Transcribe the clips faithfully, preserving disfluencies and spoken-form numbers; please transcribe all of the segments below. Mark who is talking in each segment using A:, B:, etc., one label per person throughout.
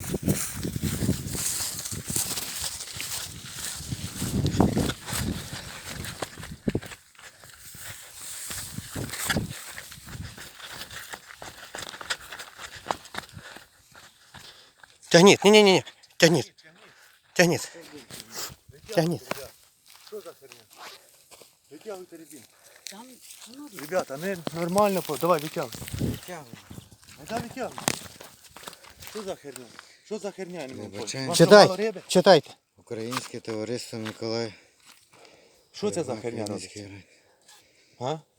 A: Тягніть, ні-ні-ні, тягніть. Тягніть. Тягніть.
B: Що за херня? Витягуйте рябину. Ребята, не нормально, давай витягуй.
C: Витягуй.
B: Да, витягуй. Що за херня? Що за херня? Я не можу поняти.
C: Вибачаю.
B: Вам що,
A: Читай,
B: мало риби?
A: читайте.
C: Українське товариство Миколай.
B: Що це за херня
C: Український
B: робить?
C: рай.
B: А?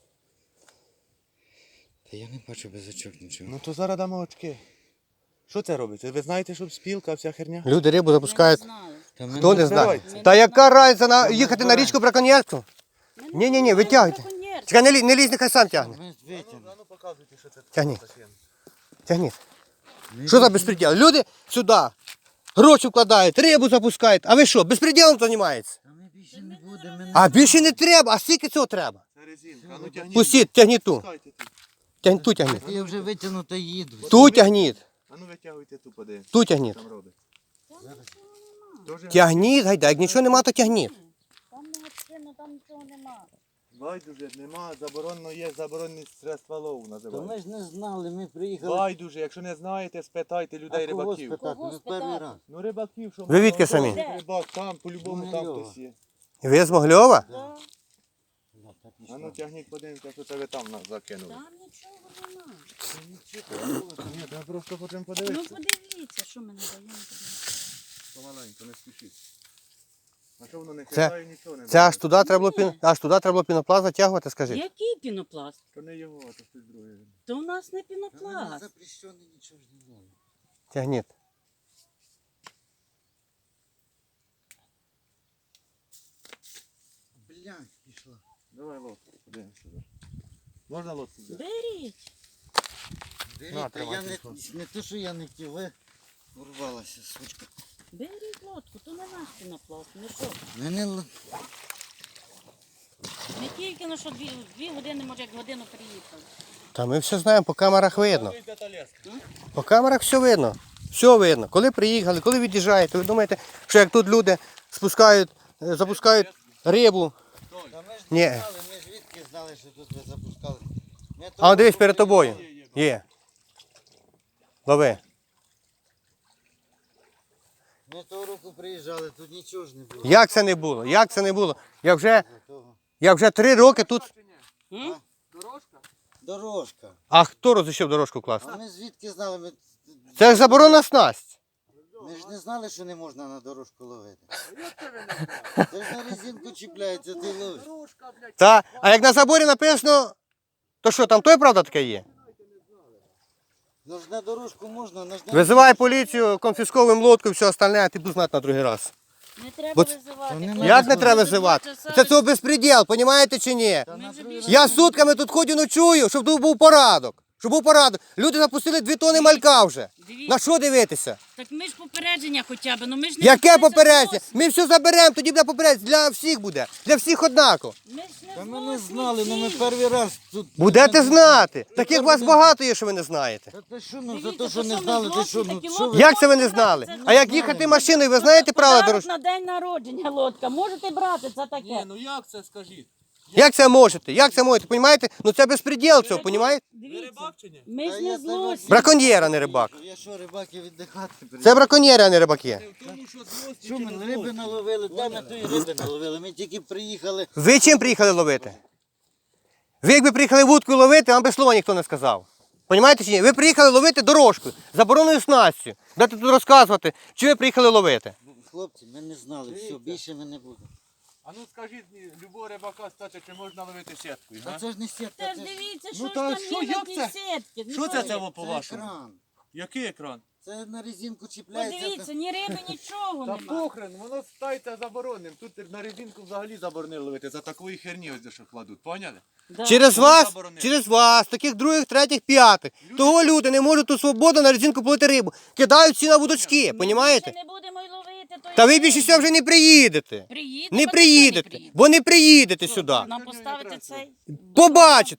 C: Та я не бачу без очок нічого.
B: Ну то зараз дамо очки. Що це робиться? Ви знаєте, що спілка, вся херня?
A: Люди рибу запускають.
C: Та ми
A: Хто
C: не
A: не знає?
B: Закривайте.
A: Та яка разниця на їхати на річку браконьєрству? Ні-ні-ні, витягуйте. Чекай, не лізь, не лізь, нехай сам тягне.
C: Ми витягнемо.
B: А ну показуйте, що це
A: Тягніть.
B: за схема.
A: Тягніть. Що за безпреділ? Люди сюди гроші вкладають, рибу запускають. А ви що, безпреділом займаєтеся?
C: Та ми більше не будемо. ми не
A: А більше не треба. А скільки цього треба?
B: Це резинка. А ну тягніть.
A: Пустіть, тягніть ту.
B: Пускайте тут.
A: Тягніть, ту тягніть.
C: Я вже витягну та їду.
A: Ту тягніть.
B: А ну витягуйте ту, подивимось.
A: Ту тягніть.
B: Там робить. Дуже
A: Тягніть, гайда, як нічого нема, то тягніть.
D: Там не гостина, там нічого нема.
B: байдуже, нема, заборонено є заборонені средства лову
C: Та
B: називають.
C: ми ж не знали, ми приїхали.
B: Байдуже, якщо не знаєте, спитайте людей
C: А кого
B: рибаків.
C: спитати?
D: Кого
C: Ми перший
D: спитати?
C: раз.
B: Ну рибаків, що
A: Ви відки
B: можна,
A: самі?
B: хтось Рибак, там, по-любому там
C: Могильова.
B: хтось є.
A: Ви з Могльова?
D: Да.
C: Ну, так і
B: А ну
C: що?
B: тягніть, подивимося, що це ви там нас закинули.
D: Там нічого нема.
B: Ні, ми просто хочемо
D: Ну
B: подивитися.
D: подивіться, що ми не даємо.
B: Помаленьку, не спішіть. А що воно не
A: Це-
B: хитає, нічого не
A: Це аж туди треба було пін... аж туди треба було пінопласт затягувати, скажіть.
D: Який пінопласт?
B: То не його, а то щось друге.
D: То у нас не
C: Та ми не
D: пінопласт.
C: запрещені, нічого ж не знали.
A: Тягніть.
C: Блядь, пішла.
B: Давай лодку, подивимося. Можна лодку взяти?
D: Беріть.
C: Беріть,
B: На,
C: та
B: тримай
C: я не,
B: телефон.
C: не то, що я не хотів, ви урвалася, сучка.
D: Беріть лодку, то не наш пінопласт. Ну що?
C: Мене л-
D: Не тільки на що дві, дві години, може як годину приїхали.
A: Та ми все знаємо, по камерах видно. По камерах все видно. Все видно. Коли приїхали, коли від'їжджаєте, ви думаєте, що як тут люди спускають, е, запускають рибу.
C: Та ми ж
A: Ні.
C: не знали, ми ж звідки знали, що тут ви запускали. Ми
A: А
C: того
A: он дивись
C: року
A: перед тобою.
C: приїхали.
A: Є. Лови.
C: Ми того року приїжджали, тут нічого ж не було.
A: Як це не було? Як це не було? Я вже,
C: До того.
A: я вже три роки тут.
D: М?
C: Дорожка.
A: А хто розрішив дорожку класти?
C: А ми звідки знали, ми,
A: Це ж заборонена снасть.
C: ми ж не знали, що не можна на дорожку ловити. Це ж на резинку чіпляється, ти ловиш.
A: Та, а як на заборі написано, то що, там той правда таке є?
C: Ну ж на дорожку можна, на ж на
A: Визивай поліцію, конфісковуємо лодку і все остальне, а ти будеш знати на другий раз.
D: Не треба
A: Бо-
D: визивати.
C: Та не
D: хлопці.
A: Як не
C: ну,
A: треба
D: Ми
A: визивати?
D: тут два
A: Це
D: часа
A: цього безпреділ, розумієте чи ні?
C: Та на
D: вже
C: другий
D: більше-
A: Я
C: раз
A: сутками тут ходю, ночую, щоб тут був порядок. Щоб був порядок. Люди запустили дві тони малька вже.
D: Дивіться.
A: На що дивитися?
D: Так ми ж попередження хоча б, ну ми ж не
A: Яке
D: вчилися
A: попередження?
D: зовсім.
A: Ми все заберемо, тоді буде попередження. Для всіх буде. Для всіх однаково.
D: Ми ж не
C: Та ми не
D: зовсім
C: знали, ну ми
D: всі.
C: перший раз тут.
A: Будете знати.
C: Тепер
A: Таких вас
C: будемо-
A: багато є, що ви не знаєте.
C: Та ти що, ну за
D: Дивіться,
C: те, що
D: то
C: не
D: що,
C: знали,
D: ми
C: ти що,
D: злодії
C: ну
D: такі
C: що ви?
D: лодки?
A: Як це ви не знали? А як їхати машиною, ви знаєте правила
D: Подарок
A: дорожнього?
D: на день народження лодка. Можете брати, це таке.
B: ну як це, скажіть?
A: Як це можете? Як це можете? Понімаєте? Ну це безпреділ цього, понімаєте?
D: Дивіться,
B: чи ні?
D: ми
C: Та
D: ж
C: я
D: не
C: тебе-
D: злості.
A: Браконьєр, а не рибак.
C: Я що, рибаки віддихати приїхали?
A: Це браконьєри, а не рибаки.
C: Що ми риби наловили? Де ми тої риби наловили? Ми тільки приїхали.
A: Ви чим приїхали ловити? Ви якби приїхали вудкою ловити, вам би слова ніхто не сказав. Понімаєте чи ні? Ви приїхали ловити дорожкою, забороненою снастю. Дайте тут розказувати, чи ви приїхали ловити.
C: Хлопці, ми не знали, все, більше ми не будемо.
B: А ну скажіть, любого рибака стати, чи можна ловити сіткою,
C: Та
B: га?
C: це ж не сітка,
D: Та ж
C: це ж
D: дивіться,
B: Ну,
D: що ж
B: та
D: там
B: що,
D: є на
B: як
D: тій
B: це?
D: сітці. Ну,
B: Що це
D: що
B: це
D: ви?
B: во
C: це
B: по-вашому?
C: екран.
B: Який екран?
C: Це на резинку чіпляється.
D: Подивіться, ні риби, нічого
B: Та
D: нема.
B: похрен, воно стається забороненим. Тут на резинку взагалі заборонили ловити, за такої херні ось де що кладуть, поняли?
D: Да.
A: Через
B: Чому
A: вас,
B: заборонили?
A: через вас, таких других, третіх, п'ятих. Того люди не можуть тут свободно на резинку полити рибу. Кидають всі на вудочки,
D: Ми
A: понімаєте?
D: більше не будемо й ловити. то
A: Та
D: й
A: ви
D: риби.
A: більше сюди вже не приїдете.
D: Приїдемо,
A: Не
D: а
A: приїдете,
D: ніхто не приїде.
A: бо не приїдете сюди.
D: Нам поставити цей.
A: Побачите.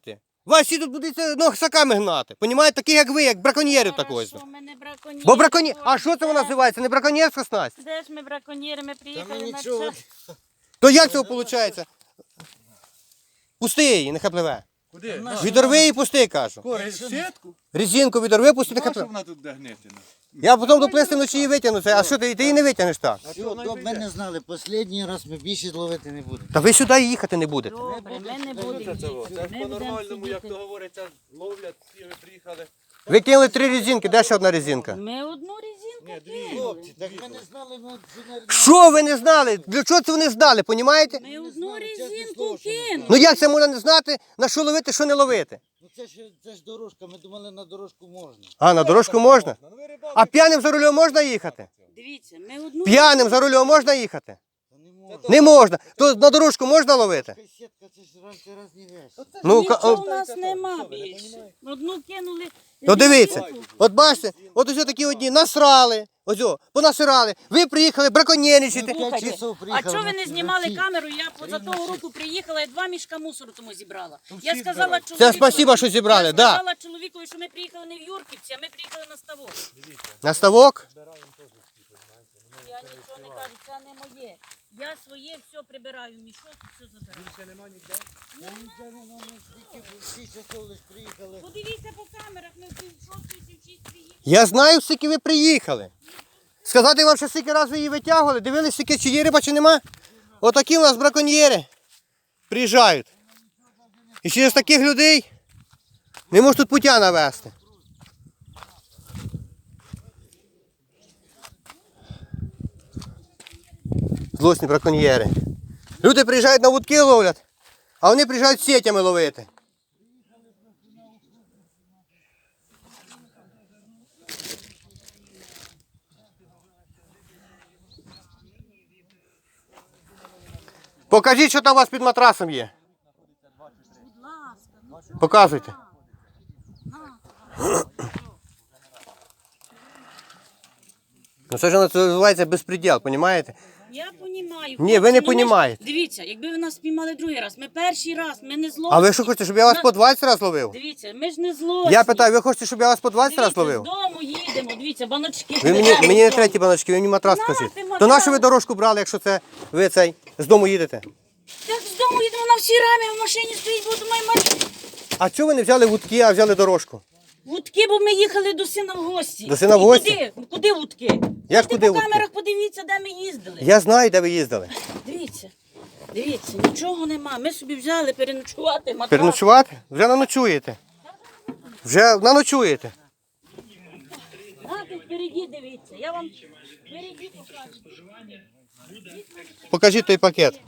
A: Вас всі тут будуть носаками гнати. Понімаєте, таких як ви, як браконьєрів такого.
D: Хорошо, ми не браконьєри.
A: Бо браконьєр... А
D: Боже,
A: що це вона
D: де-
A: називається? Не браконьєрська снасть?
D: Де ж ми браконьєри? Ми
C: Та
D: приїхали
C: ми
D: на
C: нічого.
D: час.
A: То як цього виходить? Пусти її, нехай пливе.
B: Куди?
C: На-
A: Відорви її, пусти, кажу.
B: Кори, сітку?
A: Резинку відорви, пусти, нехай
B: Нащо
A: пливе.
B: вона тут буде гнити?
A: Я потім доплисти вночі її витягну. це. А що ти, ти її не витягнеш так?
C: Все, добре, ми не знали. Останній раз ми більше ловити не будемо.
A: Та ви сюди їхати не будете.
D: Добре, ми не будемо
B: Це цього.
D: їхати.
B: Це ж
D: Ми будемо
B: по-нормальному, як
D: сидіти.
B: то говориться, ловлять, всі ви приїхали.
A: Ви кинули три резинки, де ще одна резинка?
D: Ми одну резинку кинули.
C: Хлопці, так ми не знали, ну, що не-
A: Що ви не знали? Для чого це вони знали, понімаєте?
D: Ми одну
C: знали, чесне
D: резинку
C: слово, що не
D: кинули.
A: Ну як це можна не знати, на що ловити, що не ловити?
C: Ну це ж, це ж дорожка, ми думали на дорожку можна.
A: А, на дорожку можна?
B: Ну ви рибалки.
A: А п'яним за рулем можна їхати?
D: Дивіться, ми одну
A: П'яним за рулем можна їхати?
C: Та не можна.
A: Не можна. То на дорожку можна ловити?
C: Така сітка, це ж раніше різні вещі.
A: Ну, ка-
D: Нічого
A: о-
D: у нас нема більше. Одну кинули.
A: Ну дивіться, от бачите, от ось такі одні насрали, ось о, понасирали. Ви приїхали браконьєрничати.
C: Слухайте, часов
D: А
C: приїхали
D: чого ви
C: на-
D: не
C: на
D: знімали
C: ці-
D: камеру? Я поза того року приїхала і два мішка мусору тому зібрала. Я
B: всі
D: сказала
B: збирають.
D: чоловіку.
A: Це спасибо, що зібрали,
D: Я
A: да.
D: сказала чоловікові, що ми приїхали не в Юрківці, а ми приїхали на ставок.
A: На ставок?
D: Я нічого не кажу, це не моє. Я своє все прибираю, в мішок все забираю.
C: Я нічого не знаю, ми скільки- всі часов лиш приїхали.
D: Подивіться по камерах, ми в пів шостої, пів шість приїхали.
A: Я знаю, скільки ви приїхали. Сказати вам, що скільки разів ви її витягували, дивились, скільки чи є риба, чи нема? Отакі у нас браконьєри приїжджають. І через таких людей не можуть тут путя навести. Злосні браконьєри. Люди приїжджають на вудки ловлять, а вони приїжджають сетями ловити. Покажіть, що там у вас під матрасом є.
D: Будь ласка, ну
A: Показуйте. Ну це ж називається безпреділ, розумієте?
D: я понімаю.
A: Ні, ви не
D: хлопці, ну, ми ж-
A: понімаєте.
D: Дивіться, якби ви нас спіймали другий раз, ми перший раз, ми не зло.
A: А ви що хочете, щоб я вас по двадцять разів ловив?
D: Дивіться, ми ж не злосні.
A: Я питаю, ви хочете, щоб я вас по двадцять разів
D: Дивіться,
A: ловив?
D: з дому їдемо, дивіться, баночки.
A: Ви мені, мені не треті баночки, ви мені матрас
D: На,
A: скажіть.
D: ти
A: То
D: матрас.
A: на що ви дорожку брали, якщо це ви цей з дому їдете?
D: Так з дому їдемо на всі рамі, в машині стоїть, бо думаю, мать.
A: А чого ви не взяли вудки, а взяли дорожку?
D: Вудки, бо ми їхали до сина в гості.
A: До сина в
D: І
A: гості?
D: Куди? Куди вудки?
A: Як
D: Ти
A: куди
D: по
A: вудки?
D: камерах подивіться, де ми їздили.
A: Я знаю, де ви їздили.
D: Дивіться, дивіться, нічого нема. Ми собі взяли переночувати, матрас.
A: Переночувати? Вже наночуєте. Вже наночуєте.
D: А, тут впереді дивіться, я вам впереді покажу.
A: Покажіть той пакет.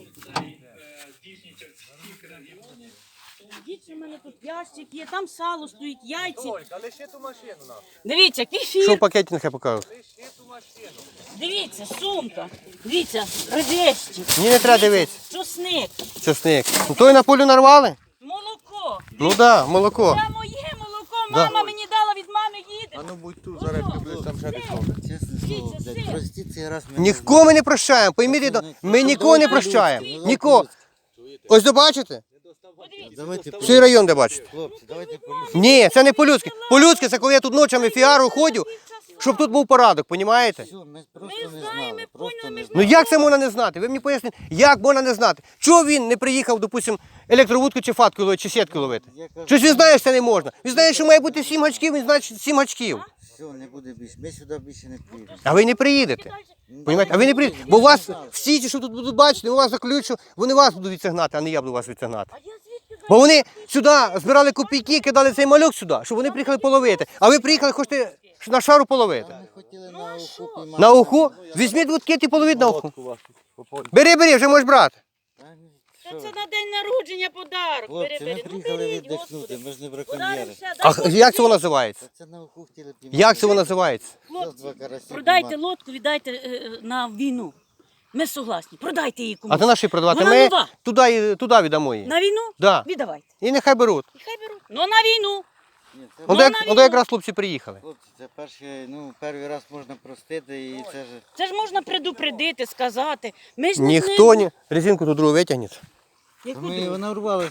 D: Дивіться, у мене тут ящик є, там сало стоїть, яйці.
B: Олька, лиши ту машину нам.
D: Дивіться,
A: Що
D: кефір.
A: в пакеті нехай покажуть.
B: Лиши ту машину.
D: Дивіться, сумка. Дивіться, редещик,
A: Мені не треба дивитися.
D: чосник,
A: Чесник. Ну той на полю нарвали?
D: молоко.
A: Ну так, да, молоко.
D: Це моє молоко,
A: Да.
D: мама мені дала, від мами їде.
B: А ну будь тут, зараз приблизь там ще відходить.
C: Чесне слово,
D: Дивіться,
C: блядь,
D: син.
C: простіть цей раз. ми не
A: Нікого ми не прощаємо. Пойміть, ми нікого не прощаємо. Нікого. Ось добачите?
C: Давайте,
A: Всій район де бачите.
C: хлопці, давайте полюсимо.
A: Ні, це не по-людськи. По-людськи це коли я тут ночами фіару ходю, щоб тут був порядок, понімаєте?
C: Все, ми
D: Ми
C: просто не
D: знаємо,
C: знали,
D: ми
C: просто
D: поняли,
C: не
D: ми
C: знали.
A: Ну як це можна не знати? Ви мені поясніть, як можна не знати? Чого він не приїхав, допустим, електровудку чи фатку ловити, чи сітку ловити?
C: Я кажу,
A: Щось він знає, що це не можна. Він знає, що має бути сім гачків, він знає, що сім гачків.
C: все, не буде більше, ми сюди більше не приїдемо.
A: А ви не приїдете. Понімаєте? А ви не приїдете. Бо вас всі ті, що тут будуть бачити, у вас заключу, вони вас будуть відсигнати, а не я буду вас відсигнати.
D: А я звідки
A: Бо вони сюди збирали копійки, кидали цей мальок сюди, щоб вони приїхали половити. А ви приїхали, хочете на шару половити.
C: Ми хотіли на уху піймати.
A: На уху? Візьміть вудки і половіть на уху. Бери, бери, вже можеш брати.
C: Та ні,
D: Та
C: що
D: це
C: ви.
D: на день народження подарок.
C: Хлопці, ми
D: Бери-бери. Ну
C: приїхали
D: беріть,
C: віддихнути,
D: Господи.
C: ми ж не
D: Подарок
C: браконьєри.
D: ще,
A: А
D: дай
A: як це воно називається?
C: Та це на уху хотіли піймати.
A: Як це воно називається?
C: Зараз два карася
D: Продайте
C: піймати.
D: лодку, віддайте е, на війну. Ми согласні. Продайте її комусь.
A: А то наші продавати.
D: Вона
A: Ми
D: нова.
A: туди, туди віддамо її.
D: На війну?
A: Да.
D: Віддавайте.
A: І нехай беруть.
D: І хай беруть. Ну на війну.
C: Ні, це,
A: От
D: Ну,
A: як,
D: на
A: от
D: війну.
A: якраз хлопці приїхали.
C: хлопці, це перший, ну, перший раз можна простити і це ж...
D: Це ж можна предупредити, сказати. Ми ж не
A: Ніхто не резинку ту другу витягне.
D: Яку
C: Ми
D: другу?
C: вона урвала